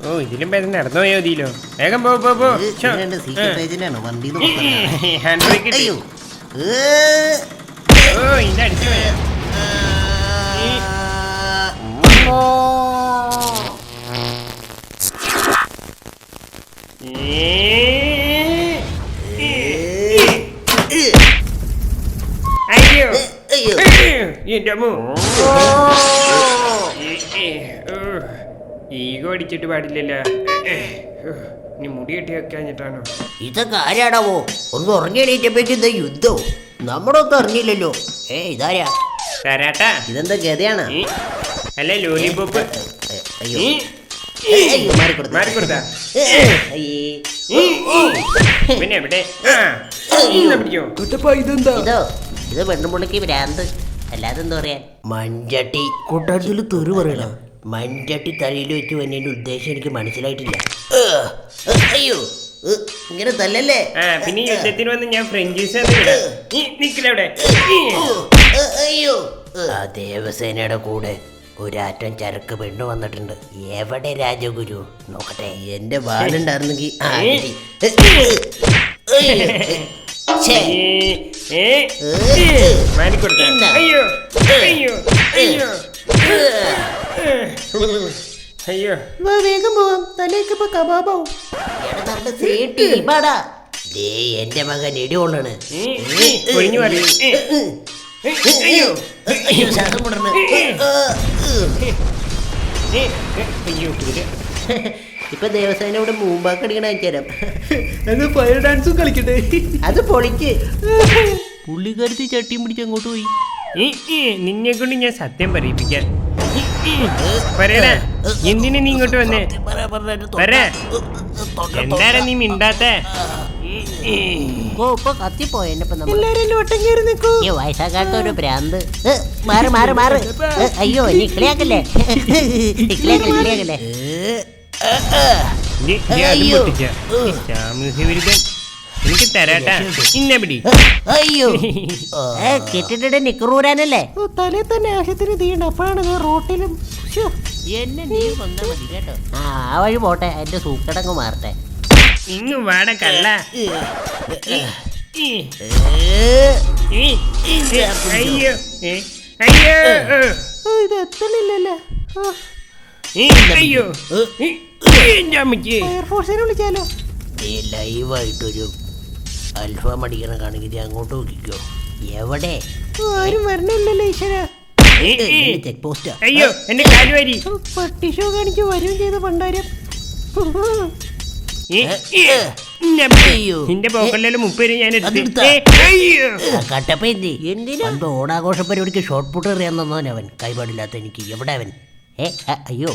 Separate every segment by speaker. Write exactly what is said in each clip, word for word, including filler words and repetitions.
Speaker 1: ഓ ഇതിലും പേര് നടന്നു പോയോ ഇതിലോ വേഗം പോ പോ പോ ഹാൻഡ് ബ്രേക്ക് ഇട്ട്. ഓ ഇത് അടിച്ചു പോയാ അയ്യോ എന്റെ അമ്മോ ഈഗോ അടിച്ചിട്ട് പാടില്ലല്ലോ. ഇനി മുടി കെട്ടി വെക്കാഞ്ഞിട്ടാണോ?
Speaker 2: ഇതൊക്കെ ആരാടാവോ? ഒന്ന് ഉറങ്ങിയണീറ്റപ്പേക്ക് എന്താ യുദ്ധവും നമ്മളൊന്നും അറിഞ്ഞില്ലല്ലോ. ഏ ഇതാരാ?
Speaker 1: തരാട്ടാ.
Speaker 2: ഇതെന്താ ഗതയാണ്?
Speaker 1: അല്ല ലോലിപോപ്പ്.
Speaker 2: അയ്യോ
Speaker 1: മാറിക്കൊടുത്താ പിന്നെ എവിടെ പിടിച്ചോ?
Speaker 2: ഇതോ ഇത് പെണ്ണുമുള്ളിക്ക് ഭ്രാന്ത്, അല്ലാതെ എന്താ പറയാ. മഞ്ചട്ടി കൊട്ടാരത്തിൽ തെറി പറയണ മഞ്ചട്ടി തലയിൽ വെച്ച് വന്നതിന്റെ ഉദ്ദേശം എനിക്ക് മനസ്സിലായിട്ടില്ല. അയ്യോ ഇങ്ങനെ തല്ലല്ലേ.
Speaker 1: പിന്നെ യുദ്ധത്തിന് വന്ന് ഞാൻ ഫ്രഞ്ചീസ് നിക്കലവിടെ.
Speaker 2: അയ്യോ ആ ദേവസേനയുടെ കൂടെ ഒരാറ്റം ചരക്ക് പെണ്ണു വന്നിട്ടുണ്ട്. എവിടെ രാജഗുരു? നോക്കട്ടെ. എന്റെ വാളുണ്ടായിരുന്നെങ്കിൽ
Speaker 1: അയ്യോ അയ്യോ അയ്യോ അയ്യോ
Speaker 2: വേഗം പോവാം. തലേക്കിപ്പോ കബാബാവും. എന്റെ മകൻ ഇടികൊള്ളാണ്.
Speaker 1: ഒഴിഞ്ഞു പറയും. അയ്യോ
Speaker 2: ശ്വാസം മുടർന്ന്. ഇപ്പൊ ദേവസേനയുടെ മൂമ്പാക്ക് അടിക്കണ അയച്ചുതരാം.
Speaker 3: ഫയർ ഡാൻസും കളിക്കട്ടെ.
Speaker 2: അത് പൊളിക്ക്. പുള്ളിക്കാരത്തി ചട്ടിയും പിടിച്ച് അങ്ങോട്ട് പോയി.
Speaker 1: നിന്നെ കൊണ്ട് ഞാൻ സത്യം പറയിപ്പിക്കാൻ. പറയടാ എന്തിനാ നീ ഇങ്ങോട്ട് വന്നേ? എന്താണ് നീ മിണ്ടാത്ത?
Speaker 2: വയസ്സാകാത്ത ഒരു ഭ്രാന്ത്. മാറ് മാറ് മാറ്. അയ്യോ നീ കളിയാക്കല്ലേ കളിയാക്കല്ലേ.
Speaker 1: എനിക്ക് തരാട്ടാ. ഇന്നെ പിടി.
Speaker 2: അയ്യോ കെട്ടിട്ട് നിക്കറൂരാനല്ലേ.
Speaker 3: തലേ തന്നെ ആവശ്യത്തിന് തീണ്ട. അപ്പോഴാണ് റോട്ടിലും
Speaker 2: എന്നെ നീ വന്നാ മതി കേട്ടോ. ആ വഴി പോട്ടെ. എന്റെ സൂക്കടങ്ങ് മാറട്ടെ.
Speaker 1: ഇങ്ങ് വാട കള്ള. അയ്യോ അയ്യോ
Speaker 3: ഇത് എത്തണില്ലല്ലേ.
Speaker 1: അയ്യോ
Speaker 3: എയർഫോഴ്സിനെ വിളിച്ചാലോ?
Speaker 2: ലൈവായിട്ടൊരു അൽഫാം അടിക്കണ കാണിക്കുന്നത് അങ്ങോട്ട് നോക്കിക്കോ. എവിടെ?
Speaker 3: ആരും വരണില്ലല്ലോ ഈശ്വര.
Speaker 2: Check post.
Speaker 1: അയ്യോ എന്റെ കാലുവാരി.
Speaker 3: പട്ടി ഷോ കാണിച്ച് വരും ചെയ്ത പണ്ടാരം.
Speaker 1: നിന്റെ പോക്കല്ലോ മുപ്പത് ഞാൻ
Speaker 2: കട്ടപ്പ എന്തി എന്തിനാ ഓണാഘോഷ പരിപാടിക്ക് ഷോർട്ട് പുട്ട് എറിയാൻ തന്നവൻ അവൻ. കൈപാടില്ലാത്ത എനിക്ക്. എവിടെ അവൻ? ഏ അയ്യോ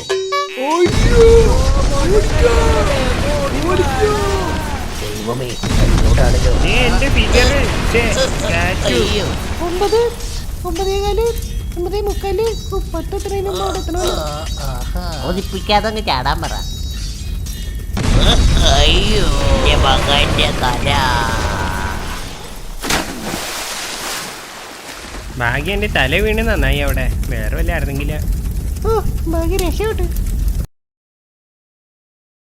Speaker 2: ദൈവമേ ഇങ്ങോട്ടാണല്ലോ.
Speaker 3: ഒമ്പത് ഒമ്പതേകാല് ഒമ്പതേ മുക്കാല് പത്ത് ട്രെയിനും
Speaker 2: ഒതിപ്പിക്കാതെ അങ്ങ് ചാടാൻ പറ. അയ്യോ മകന്റെ തല.
Speaker 1: ഭാഗ്യം എന്റെ തല വീണ് നന്നായി. അവിടെ വേറെ വല്ല ആയിരുന്നെങ്കില.
Speaker 3: ഓ ഭാഗ്യ രക്ഷപ്പെട്ടു.